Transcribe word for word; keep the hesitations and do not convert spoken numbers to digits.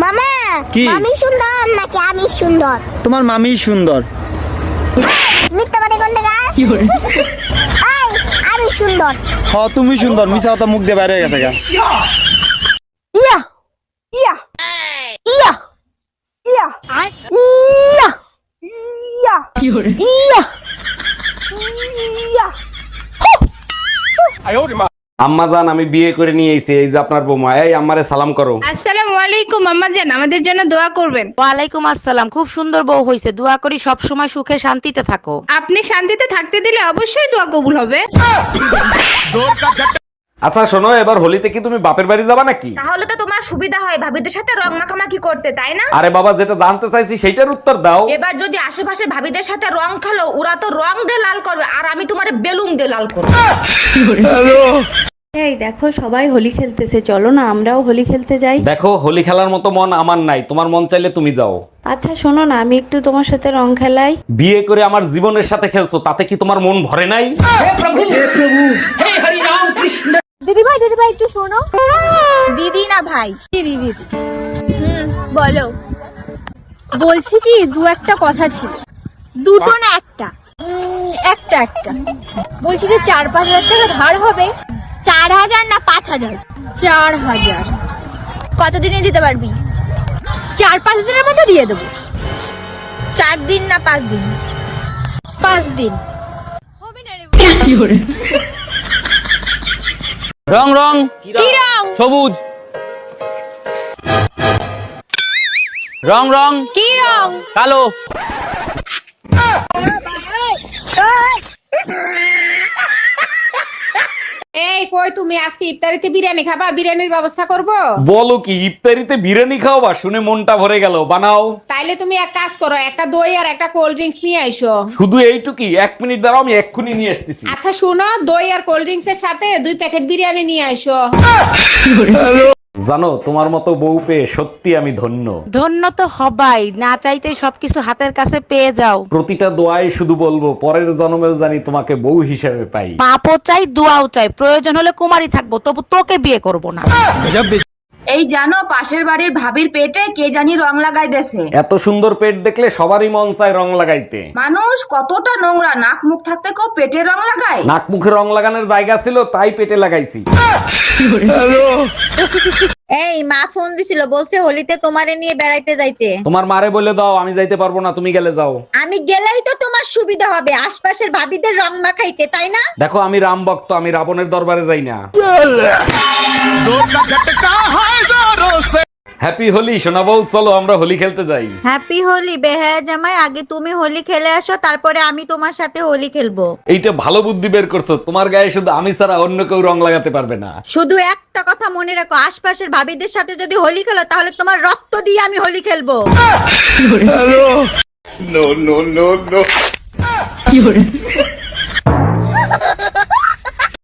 মামা কি? মামি সুন্দর নাকি আমি সুন্দর? তোমার মামি সুন্দর। মিথ্যা বাড়ি কোন টাকা? এই আমি সুন্দর। হ তুমি সুন্দর, মিছা কথা মুখ দিয়ে বাইরে হয়ে গেছে গা। ইয়া ইয়া ইয়া ইয়া ইয়া ইয়া ইয়া ইয়া। আম্মা জান, আমি বিয়ে করে নিয়ে এসেছি, এই যে আপনার বৌমা। এই আম্মারে সালাম করো। আসসালামু আলাইকুম আম্মা জান, আমাদের জন্য দোয়া করবেন। ওয়ালাইকুম আসসালাম। খুব সুন্দর বউ হইছে, দোয়া করি সব সময় সুখে শান্তিতে থাকো। আপনি শান্তিতে থাকতে দিলে অবশ্যই দোয়া কবুল হবে। আচ্ছা শোনো, এবার হোলিতে কি তুমি বাপের বাড়ি যাবা নাকি? তাহলে তো তোমার সুবিধা হয় ভাবিদের সাথে রং মাখামাখি করতে, তাই না? আরে বাবা, যেটা জানতে চাইছি সেইটার উত্তর দাও। এবার যদি আশেপাশে ভাবিদের সাথে রং খেলো, ওরা তো রং দিয়ে লাল করবে আর আমি তোমার বেলুন দিয়ে লাল করবো। এই দেখো সবাই হোলি খেলতেছে, চলো না আমরাও হোলি খেলতে যাই। দেখো, হোলি খেলার মতো মন আমার নাই, তোমার মন চাইলে তুমি যাও। আচ্ছা শোনো না, আমি একটু তোমার সাথে রং খেলাই। বিয়ে করে আমার জীবনের সাথে খেলছো, তাতে কি তোমার মন ভরে নাই? দিদি ভাই দিদি ভাই একটু শোনো। দিদি না ভাই, দিদি দিদি। হুম বলো। বলছি কি, দু একটা কথা ছিল। দুটো না একটা? উম, একটা একটা। বলছি যে চার পাঁচ হাজার টাকা ধার হবে। চার হাজার না পাঁচ হাজার? চার হাজার। কতদিনে দিতে পারবি? চার পাঁচ দিনের মধ্যে দিয়ে দেবো। চার দিন না পাঁচ দিন? পাঁচ দিন হবে না রে। রং রং কি রং? সবুজ। রং রং কি রং? কালো। এই কই তুমি, আজকে ইফতারিতে বিরিয়ানি খাবা? বিরিয়ানির ব্যবস্থা করব। বলো কি, ইফতারিতে বিরিয়ানি খাওয়াবা? শুনে মনটা ভরে গেল, বানাও। তাইলে তুমি এক কাজ করো, একটা দই আর একটা কোল্ড ড্রিঙ্কস নিয়ে আইসো। শুধু এইটুকুই? এক মিনিট দাঁড়াও, আমি এক্ষুনি নিয়ে আসতেছি। আচ্ছা শুনো, দই আর কোল্ড ড্রিঙ্কস এর সাথে দুই প্যাকেট বিরিয়ানি নিয়ে আইসো। জানো, তোমার মতো বউ পেয়ে সত্যি আমি ধন্য। ধন্য তো হবাই, না চাইতে সবকিছু হাতের কাছে পেয়ে যাও। প্রতিটা দোয়ায় শুধু বলবো, পরের জন্মেও জানি তোমাকে বউ হিসেবে পাই। পাপও চাই, দোয়াও চাই, প্রয়োজন হলে কুমারী থাকবো, তবু তোকে বিয়ে করব না। এই জানো, পাশের বাড়ির ভাবির পেটে কে জানি রং লাগাই দেছে। এত সুন্দর পেট দেখলে সবারই মন চায় রং লাগাইতে। মানুষ কতটা নোংরা, নাক মুখ থাকতে কেউ পেটে রং লাগায়? নাক মুখে রং লাগানোর জায়গা ছিল, তাই পেটে লাগাইছি। এই মা ফোন দিছিল, বলছে হোলিতে তোমারে নিয়ে বেড়াইতে যাইতে। তোমার মারে বলে দাও আমি যাইতে পারবো না, তুমি গেলে যাও। আমি গেলেই তো তোমার সুবিধা হবে, আশপাশের ভাবিদের রং মাখাইতে, তাই না? দেখো, আমি রাম ভক্ত, আমি রাবণের দরবারে যাই না। হ্যাপি হোলি সোনা বউ, চলো আমরা হোলি খেলতে যাই। হ্যাপি হোলি বেহায়া জামাই, আগে তুমি হোলি খেলে আসো, তারপরে আমি তোমার সাথে হোলি খেলবো। এইটা ভালো বুদ্ধি বের করছো, তোমার গায়ে শুধু আমি ছাড়া অন্য কেউ রং লাগাতে পারবে না। শুধু একটা কথা মনে রাখো, আশপাশের ভাবিদের সাথে যদি হোলি খেলো তাহলে তোমার রক্ত দিয়ে আমি হোলি খেলবো। No no no no.